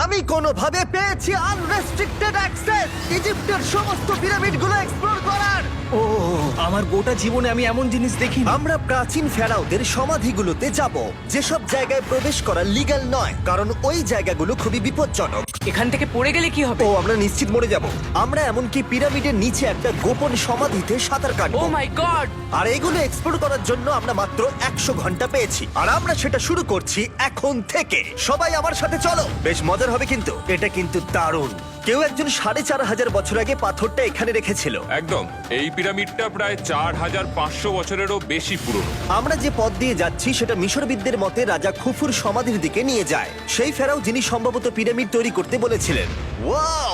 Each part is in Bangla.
আমি কোনোভাবে পেয়েছি আনরেস্ট্রিক্টেড অ্যাক্সেস ইজিপ্টের সমস্ত পিরামিডগুলো এক্সপ্লোর করার। ও আমার গোটা জীবনে আমি এমন জিনিস দেখিনি। আমরা প্রাচীন ফেরাওদের সমাধিগুলোতে যাব, যেসব জায়গায় প্রবেশ করা লিগ্যাল নয়, কারণ ওই জায়গাগুলো খুবই বিপজ্জনক। এখান থেকে পড়ে গেলে কি হবে? ও আমরা নিশ্চিত মরে যাব। আমরা এমনকি পিরামিডের নিচে একটা গোপন সমাধিতে সাঁতার ও কাটবো। মাই গড! আর এগুলো এক্সপ্লোর করার জন্য আমরা মাত্র 100 ঘন্টা পেয়েছি, আর আমরা সেটা শুরু করছি এখন থেকে। সবাই আমার সাথে চলো, বেশ মজার হবে কিন্তু। এটা কিন্তু দারুণ। কেউ একজন 4500 বছর আগে পাথরটা এখানে রেখেছিল। একদম, এই পিরামিডটা প্রায় 4500 বছরেরও বেশি পুরনো। আমরা যে পথ দিয়ে যাচ্ছি সেটা মিশরবিদদের মতে রাজা খুফুর সমাধির দিকে নিয়ে যায়, সেই ফেরাও যিনি সম্ভবত পিরামিড তৈরি করতে বলেছিলেন। ওয়াও!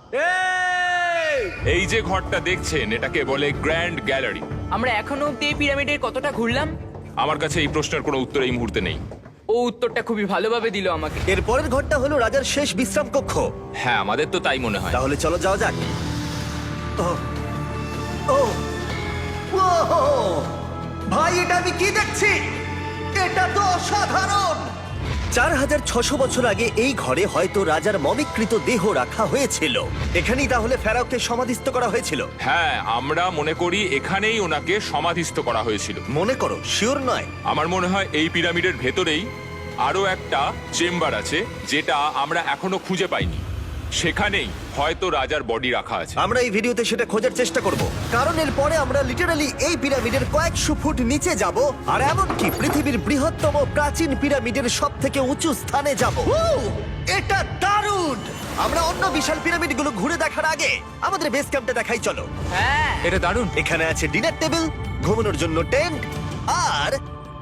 এই যে ঘরটা দেখছেন, এটাকে বলে গ্র্যান্ড গ্যালারি। আমরা এখনো অব্দি এই পিরামিডের কতটা ঘুরলাম? আমার কাছে এই প্রশ্নের কোনো উত্তর এই মুহূর্তে নেই। ও উত্তরটা খুবই ভালোভাবে দিল আমাকে। এর পরের ঘরটা হলো রাজার শেষ বিশ্রাম কক্ষ। হ্যাঁ, আমাদের তো তাই মনে হয়। তাহলে চলো যাওয়া যাক। ও ও ওহো! ভাই, এটা আমি কি দেখছি? এটা তো অসাধারণ। 4600 বছর আগে এই ঘরে হয়তো রাজার মমিকৃত দেহ রাখা হয়েছিল। এখানেই তাহলে ফেরাওকে সমাধিস্থ করা হয়েছিল। হ্যাঁ, আমরা মনে করি এখানেই ওনাকে সমাধিস্থ করা হয়েছিল। মনে করো, শিওর নয়। আমার মনে হয় এই পিরামিডের ভেতরেই আরো একটা চেম্বার আছে, যেটা আমরা এখনো খুঁজে পাইনি। সেখানেই হয়তো রাজার বডি রাখা আছে। আমরা এই ভিডিওতে সেটা খোঁজার চেষ্টা করব, কারণ এর পরে আমরা লিটারালি এই পিরামিডের কয়েকশো ফুট নিচে যাব, আর এমনকি পৃথিবীর বৃহত্তম প্রাচীন পিরামিডের সব থেকে উঁচু স্থানে যাব। এটা দারুণ! আমরা অন্য বিশাল পিরামিডগুলো ঘুরে দেখার আগে আমাদের বেস ক্যাম্পটা দেখাই চলো। হ্যাঁ, এটা দারুণ। এখানে আছে ডিনার টেবিল, ঘুমানোর জন্য টেন্ট, আর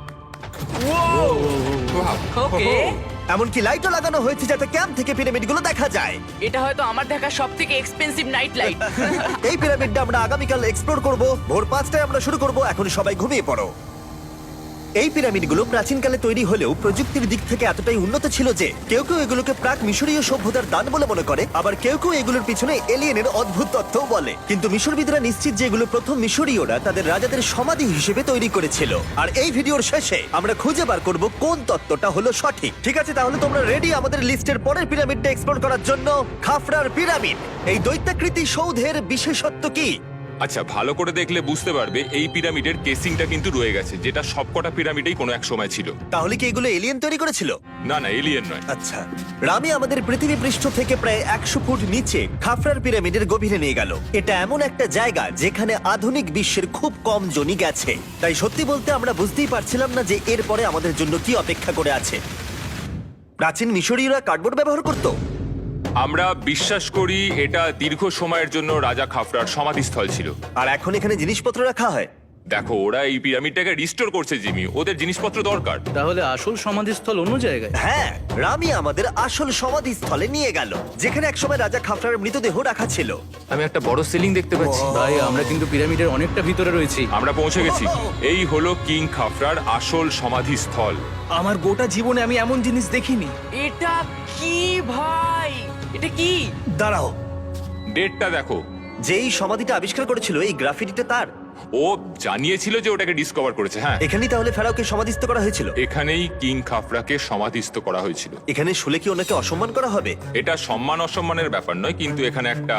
ওকে। এমনকি লাইটও লাগানো হয়েছে যাতে ক্যাম্প থেকে পিরামিডগুলো দেখা যায়। এটা হয়তো আমার দেখা সবথেকে এক্সপেন্সিভ নাইট লাইট। এই পিরামিডটা আমরা আগামীকাল এক্সপ্লোর করব। ভোর 5টায় আমরা শুরু করব। এখন সবাই ঘুমিয়ে পড়ো। এই পিরামিডগুলো প্রাচীনকালে তৈরি হলেও প্রযুক্তির দিক থেকে এতটাই উন্নত ছিল যে কেউ কেউ এগুলোকে প্রাক মিশরীয় সভ্যতার দান বলে মনে করে, আবার কেউ কেউ এগুলোর পিছনে এলিয়েনের অদ্ভুত তথ্যও বলে। কিন্তু মিশরবিদরা নিশ্চিত যে এগুলো প্রথম মিশরীয়রা তাদের রাজাদের সমাধি হিসেবে তৈরি করেছিল। আর এই ভিডিওর শেষে আমরা খুঁজে বার করব কোন তত্ত্বটা হলো সঠিক। ঠিক আছে, তাহলে তোমরা রেডি আমাদের লিস্টের পরের পিরামিডটা এক্সপ্লোর করার জন্য? খাফরার পিরামিড। এই দৈত্যাকৃতি সৌধের বিশেষত্ব কি? আচ্ছা, ভালো করে দেখলে বুঝতে পারবে এই পিরামিডের কেসিংটা কিন্তু রয়ে গেছে, যেটা সবকটা পিরামিডেই কোনো এক সময় ছিল। তাহলে কি এগুলো এলিয়েন তৈরি করেছিল? না না, এলিয়েন নয়। আচ্ছা, রামি আমাদের পৃথিবী পৃষ্ঠ থেকে প্রায় 100 ফুট নিচে খাফরার পিরামিডের গভীরে নিয়ে গেল। এটা এমন একটা জায়গা যেখানে আধুনিক বিশ্বের খুব কম জনই গেছে, তাই সত্যি বলতে আমরা বুঝতেই পারছিলাম না যে এরপরে আমাদের জন্য কি অপেক্ষা করে আছে। প্রাচীন মিশরীয়রা কার্ডবোর্ড ব্যবহার করত। আমরা বিশ্বাস করি এটা দীর্ঘ সময়ের জন্য রাজা খাফরার সমাধিস্থল ছিল। আর এখন এখানে জিনিসপত্র রাখা হয়। দেখো, ওরা এই পিরামিডটাকে রিস্টোর করছে জিমি, ওদের জিনিসপত্র দরকার। তাহলে আসল সমাধিস্থল অন্য জায়গায়? হ্যাঁ, রামি আমাদের আসল সমাধিস্থলে নিয়ে গেল, যেখানে একসময় রাজা খাফরার মৃতদেহ রাখা ছিল। আমি একটা বড় সিলিং দেখতে পাচ্ছি। ভাই, আমরা কিন্তু পিরামিডের অনেকটা ভিতরে রয়েছি। আমরা পৌঁছে গেছি। এই হলো কিং খাফরার আসল সমাধিস্থল। আমার গোটা জীবনে আমি এমন জিনিস দেখিনি। এটা কি ভাই? এটা কি? দাঁড়াও, ডেটটা দেখো। যেই সমাধিটা আবিষ্কার করেছিল এই গ্রাফিটিটা তার। ও জানিয়েছিল যে ওটাকে ডিসকভার করেছে। হ্যাঁ, এখানেই তাহলে ফেরাওকে সমাধিস্থ করা হয়েছিল। এখানেই কিং খাফরাকে সমাধিস্থ করা হয়েছিল। এখানে শুলে কি ওনাকে অসম্মান করা হবে? এটা সম্মান অসম্মানের ব্যাপার নয়, কিন্তু এখানে একটা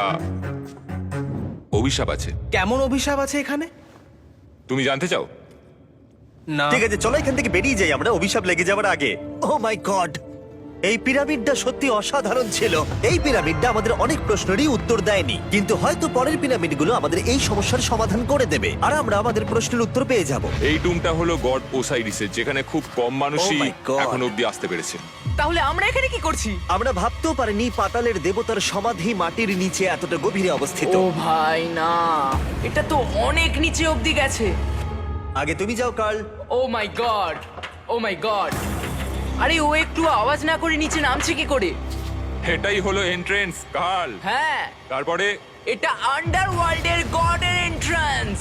অভিশাপ আছে। কেমন অভিশাপ আছে এখানে? তুমি জানতে চাও? না। ঠিক আছে, চলো এখান থেকে বেরিয়ে যাই আমরা অভিশাপ লেগে যাওয়ার আগে। ও মাই গড, এই পিরামিডটা সত্যি অসাধারণ ছিল। এই পিরামিডটা আমাদের অনেক প্রশ্নেরই উত্তর দেয়নি, কিন্তু হয়তো পরের পিরামিডগুলো আমাদের এই সমস্যার সমাধান করে দেবে, আর আমরা আমাদের প্রশ্নের উত্তর পেয়ে যাব। এই টুমটা হলো গড ওসাইরিসের, যেখানে খুব কম মানুষই Oh my God! এখন অব্দি আসতে পেরেছে। তাহলে আমরা এখানে কি করছি? আমরা ভাবতেও পারিনি পাতালের দেবতার সমাধি মাটির নিচে এতটা গভীরে অবস্থিত। ও ভাই না, এটা তো অনেক নিচে অব্দি গেছে। আগে তুমি যাও Carl. Oh my god, oh my god! আরে ও একটু আওয়াজ না করে নিচে নামছে কি করে? এটাই হলো এন্ট্রেন্স, কার্ল। হ্যাঁ, তারপরে এটা আন্ডারওয়ার্ল্ডের গডের এন্ট্রান্স।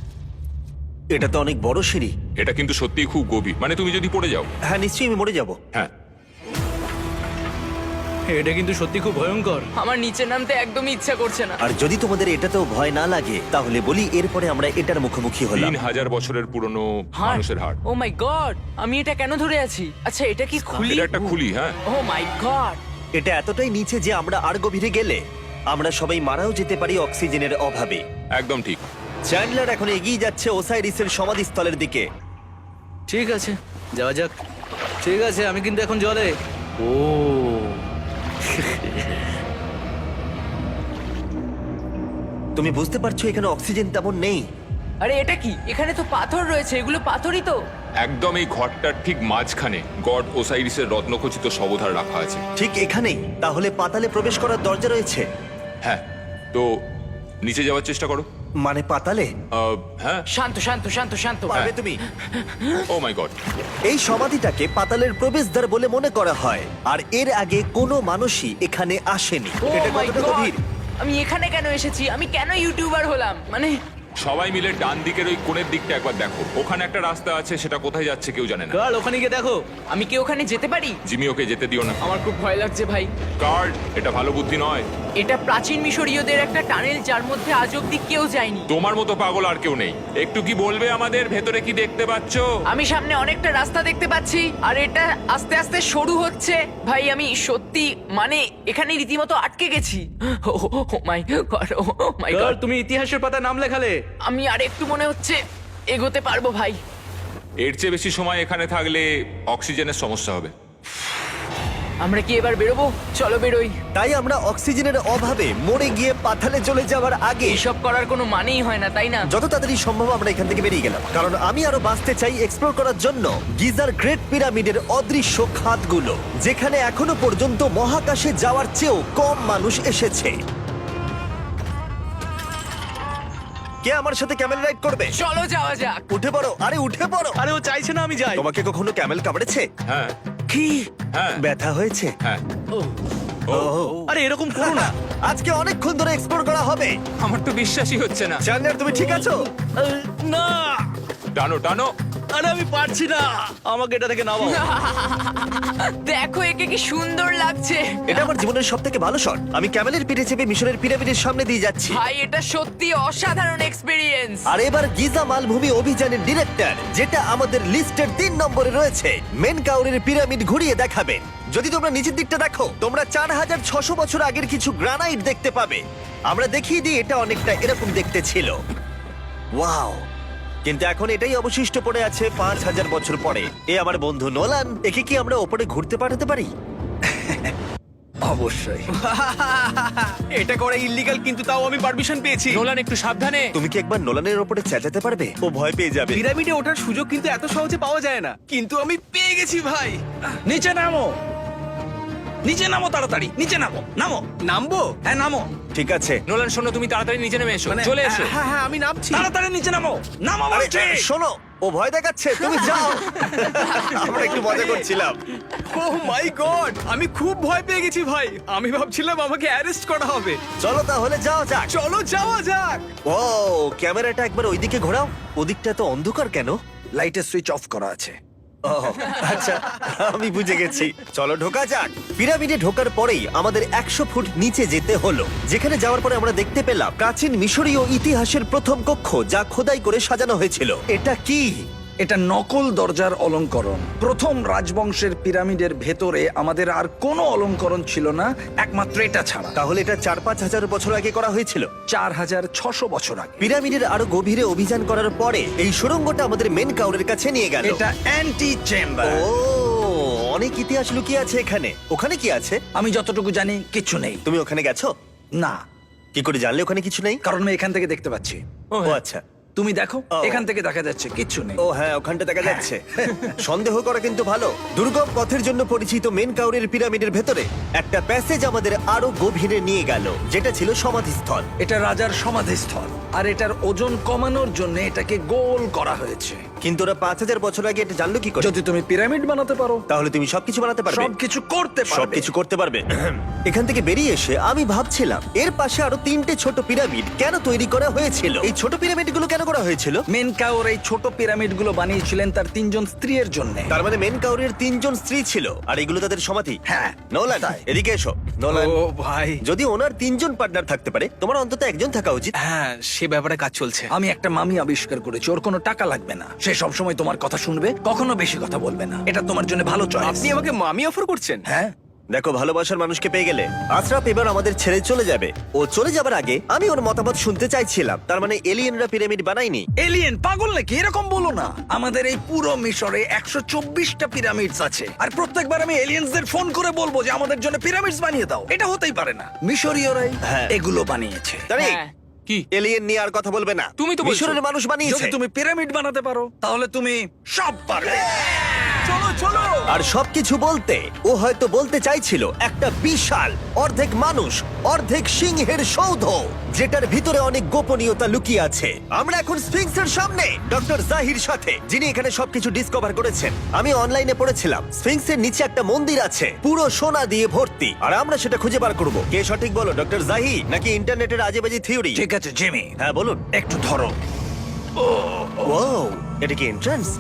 এটা তো অনেক বড় সিঁড়ি। এটা কিন্তু সত্যিই খুব গভীর, মানে তুমি যদি পড়ে যাও। হ্যাঁ, নিশ্চয়ই আমি মরে যাব। হ্যাঁ, এটা কিন্তু সত্যি খুব ভয়ঙ্কর। আমার নিচে নামতে একদমই ইচ্ছা করছে না। আর যদি তোমাদের এটাতেও ভয় না লাগে তাহলে বলি এরপরে আমরা এটার মুখোমুখি হলাম। 3000 বছরের পুরনো মানুষের হাড়। ও মাই গড, আমি এটা কেন ধরে আছি? আচ্ছা, এটা কি খুলি? এটা একটা খুলি। হ্যাঁ, ও মাই গড! এটা এতটাই নিচে যে আমরা আর গভীরে গেলে আমরা সবাই মারাও যেতে পারি অক্সিজেনের অভাবে। একদম ঠিক। চ্যান্ডলার এখন এগিয়ে যাচ্ছে ওসাইরিসের সমাধিস্থলের দিকে। ঠিক আছে, যাওয়া যাক। ঠিক আছে, আমি কিন্তু এখন জলে। ও তুমি বুঝতে পারছো এখানে অক্সিজেন তেমন নেই। আরে এটা কি? এখানে তো পাথর রয়েছে, এগুলো পাথরই তো। একদম এই ঘরটার ঠিক মাঝখানে গড ওসাইরিসের রত্নখচিত শবধার রাখা আছে। ঠিক এখানেই? তাহলে পাতালে প্রবেশ করার দরজা রয়েছে? হ্যাঁ, তো নিচে যাওয়ার চেষ্টা করো। মানে পাতালে? হ্যাঁ। শান্ত শান্ত শান্ত শান্ত। পারবে তুমি? Oh my god. এই সমাধিটাকে পাতালের প্রবেশদ্বার বলে মনে করা হয়, আর এর আগে কোনো মানুষই এখানে আসেনি। Oh এটা my কতটা God! গভীর? আমি এখানে কেন এসেছি? আমি কেন ইউটিউবার হলাম? মানে সবাই মিলে ডান দিকের ওই কোণের দিকটা একবার দেখো। ওখানে একটা রাস্তা আছে, সেটা কোথায় যাচ্ছে কেউ জানে না। কাল ওখানে গিয়ে দেখো। আমি কি ওখানে যেতে পারি? জিমি, ওকে যেতে দিও না। আমার খুব ভয় লাগছে ভাই। কার্ড, এটা ভালো বুদ্ধি নয়। এটা প্রাচীন মিশরীয়দের একটা টানেল যার মধ্যে আজ অব্দি কেউ যায়নি। তোমার মতো পাগল আর কেউ নেই। একটু কি বলবে আমাদের ভেতরে কি দেখতে পাচ্ছো? আমি সামনে অনেকটা রাস্তা দেখতে পাচ্ছি, আর এটা আস্তে আস্তে সরু হচ্ছে। ভাই আমি সত্যি মানে এখানে রীতিমতো আটকে গেছি। ও মাই গড, ও মাই কাল, গড। তুমি ইতিহাসের পাতা নাম লেখালে। আমি আর একটু মনে হচ্ছে এগোতে পারবো ভাই। এর চেয়ে বেশি সময় এখানে থাকলে অক্সিজেনের সমস্যা হবে। আমরা কি এবার বেরোবো? চলো বেরোই। তাই আমরা অক্সিজেনের অভাবে মরে গিয়ে পাতালে চলে যাওয়ার আগে এইসব করার কোনো মানেই হয় না, তাই না? যত তাড়াতাড়ি সম্ভব আমরা এখান থেকে বেরিয়ে গেলাম, কারণ আমি আরো বাঁচতে চাই এক্সপ্লোর করার জন্য গিজার গ্রেট পিরামিডের অদৃশ্য খাতগুলো, যেখানে এখনো পর্যন্ত মহাকাশে যাওয়ার চেয়েও কম মানুষ এসেছে। কে আমার সাথে ক্যামেল রাইড করবে? চলো যাওয়া যাক। উঠে পড়ো, আরে উঠে পড়ো। আরে ও চাইছে না আমি যাই। তোমাকে কখনো ক্যামেল কামড়েছে? হ্যাঁ কি? হ্যাঁ ব্যথা হয়েছে? হ্যাঁ। আরে এরকম করো না। আজকে অনেকক্ষণ ধরে এক্সপ্লোর করা হবে। আমার তো বিশ্বাসই হচ্ছে না। চ্যান্ডলার, তুমি ঠিক আছো? না, টানো টানো। আরে আমি পারছি না, আমাকে এটা থেকে নামাও। দেখো একে কি সুন্দর লাগছে। এটা আমার জীবনের সব থেকে ভালো শট। আমি ক্যামেলের পিঠে চেপে মিশরের পিরামিডের সামনে দিয়ে যাচ্ছি। ভাই এটা সত্যি অসাধারণ এক্সপেরিয়েন্স। আর এবার গিজা মালভূমি অভিযানের ডিরেক্টর, যেটা আমাদের লিস্টের 3 নম্বরে রয়েছে, মেন কাউরের পিরামিড ঘুরিয়ে দেখাবেন। যদি তোমরা নিচের দিকটা দেখো, তোমরা 4600 বছর আগের কিছু গ্রানাইট দেখতে পাবে। আমরা দেখিয়ে দিই, এটা অনেকটা এরকম দেখতে ছিল। ওয়াও! কিন্তু এখন এটাই অবশিষ্ট পড়ে আছে 5000 বছর পরে। এ আমার বন্ধু নোলান, একে কি আমরা ওপরে ঘুরতে পাঠাতে পারি? অবশ্যই। এটা করা ইল্লিগাল, কিন্তু তাও আমি পারমিশন পেয়েছি। নোলান একটু সাবধানে। তুমি কি একবার নোলানের ওপরে চেঁচাতে পারবে? ও ভয় পেয়ে যাবে। পিরামিডে ওঠার সুযোগ কিন্তু এত সহজে পাওয়া যায় না, কিন্তু আমি পেয়ে গেছি ভাই। নিচে নামো, নিচে নামো, তাড়াতাড়ি নিচে নামো। নামো, নামবো? হ্যাঁ নামো, ঠিক আছে। নোলান শোনো, তুমি তাড়াতাড়ি নিচে নেমে এসো। চলে এসো। হ্যাঁ হ্যাঁ, আমি নামছি। তাড়াতাড়ি নিচে নামো। নামো আরে বলছি। শোনো, ও ভয় দেখাচ্ছে, তুমি যাও। আমরা একটু মজা করছিলাম। ও মাই গড, আমি খুব ভয় পেয়ে গেছি ভাই। আমি ভাবছিলাম আমাকে অ্যারেস্ট করা হবে। চলো তাহলে যাও যাক। চলো যাওয়া যাক। ও, ক্যামেরাটা একবার ওইদিকে ঘোরাও। ওদিকটা তো অন্ধকার কেন? লাইটের সুইচ অফ করা আছে। ও আচ্ছা, আমি বুঝে গেছি। চলো ঢোকা যাক। পিরামিডে ঢোকার পরেই আমাদের 100 ফুট নিচে যেতে হলো, যেখানে যাওয়ার পরে আমরা দেখতে পেলাম প্রাচীন মিশরীয় ইতিহাসের প্রথম কক্ষ, যা খোদাই করে সাজানো হয়েছিল। এটা কি? এটা নকল দরজার অলঙ্করণ। প্রথম রাজবংশের পিরামিডের ভেতরে আমাদের আর কোনো অলঙ্করণ ছিল না, একমাত্র এটা ছাড়া। তাহলে এটা 4-5 হাজার বছর আগে করা হয়েছিল। 4600 বছর আগে। পিরামিডের আরো গভীরে অভিযান করার পরে এই সুড়ঙ্গটা আমাদের মেন কাউরের কাছে নিয়ে গেল। এটা অ্যান্টি চেম্বার। ও, অনেক ইতিহাস লুকিয়ে আছে এখানে। ওখানে কি আছে? আমি যতটুকু জানি কিছু নেই। তুমি ওখানে গেছো? না, কি করে জানলে ওখানে কিছু নেই? কারণ আমি এখান থেকে দেখতে পাচ্ছি। ও আচ্ছা। তুমি দেখো, ও। এখান থেকে দেখা যাচ্ছে কিচ্ছু নেই। ও হ্যাঁ, ওখানটা দেখা যাচ্ছে। সন্দেহ করা কিন্তু ভালো। দুর্গম পথের জন্য পরিচিত মেন কাউরের পিরামিডের ভেতরে একটা প্যাসেজ আমাদের আরো গভীরে নিয়ে গেল, যেটা ছিল সমাধিস্থল। এটা রাজার সমাধিস্থল, আর এটার ওজন কমানোর জন্য এটাকে গোল করা হয়েছে। কিন্তু ওরা 5000 বছর আগে এটা জানলো কি করে? যদি তুমি পিরামিড বানাতে পারো, তাহলে তুমি সবকিছু বানাতে পারবে। সবকিছু করতে পারবে। সবকিছু করতে পারবে। এখান থেকে বেরিয়ে এসে আমি ভাবছিলাম, এর পাশে আরো 3টে ছোট পিরামিড কেন তৈরি করা হয়েছিল? এই ছোট পিরামিডগুলো কেন করা হয়েছিল? মেনকাওর এই ছোট পিরামিডগুলো বানিয়েছিলেন তার 3জন স্ত্রীর জন্য। তার মানে মেন কাউরের 3জন স্ত্রী ছিল, আর এগুলো তাদের সমাধি। হ্যাঁ, নোলান, তাই। এদিকে এসো। নোলান, ও ভাই, যদি ওনার 3জন পার্টনার থাকতে পারে, তোমার অন্তত একজন থাকা উচিত। হ্যাঁ সে ব্যাপারে কাজ চলছে। আমি একটা মামি আবিষ্কার করেছি, ওর কোনো টাকা লাগবে না। সে সবসময় তোমার কথা শুনবে, কখনো বেশি কথা বলবে না। এটা তোমার জন্য ভালো চয়েস। আপনি আমাকে মামি অফার করছেন? হ্যাঁ, দেখো, ভালোবাসার মানুষকে পেয়ে গেলে আশরাফ এবার আমাদের ছেড়ে চলে যাবে। ও চলে যাবার আগে আমি ওর মতামত শুনতে চাইছিলাম। তার মানে এলিয়েনরা পিরামিড বানায়নি? এলিয়েন পাগল নাকি? এরকম বলো না। আমাদের এই পুরো মিশরে 124টা পিরামিডস আছে, আর প্রত্যেকবার আমি এলিয়েন্সদের ফোন করে বলবো যে আমাদের জন্য পিরামিডস বানিয়ে দাও। এটা হতেই পারে না। মিশরীয়রাই হ্যাঁ। এগুলো বানিয়েছে। তারিক, হ্যাঁ। কি? এলিয়েন নিয়ে আর কথা বলবে না। তুমি তো বলছো। মিশরের মানুষ বানিয়েছে। যদি তুমি পিরামিড বানাতে পারো তাহলে তুমি সব পারবে। চলো চলো। আর সবকিছু বলতে ও হয়তো বলতে চাইছিল একটা বিশাল অর্ধেক মানুষ অর্ধেক সিংহের সৌধ, যেটার ভিতরে অনেক গোপনীয়তা লুকিয়ে আছে। আমরা এখন স্ফিংসের সামনে ডক্টর জাহির সাথে, যিনি এখানে সবকিছু ডিসকভার করেছেন। আমি অনলাইনে পড়েছিলাম স্ফিংসের নিচে একটা মন্দির আছে পুরো সোনা দিয়ে ভর্তি, আর আমরা সেটা খুঁজে বার করব। কে সঠিক বলো, ডক্টর জাহি নাকি ইন্টারনেটের আজেবাজি থিওরি? ঠিক আছে জিমি, হ্যাঁ বলুন। একটু ধরো। ও, এটা কি এন্ট্রান্স?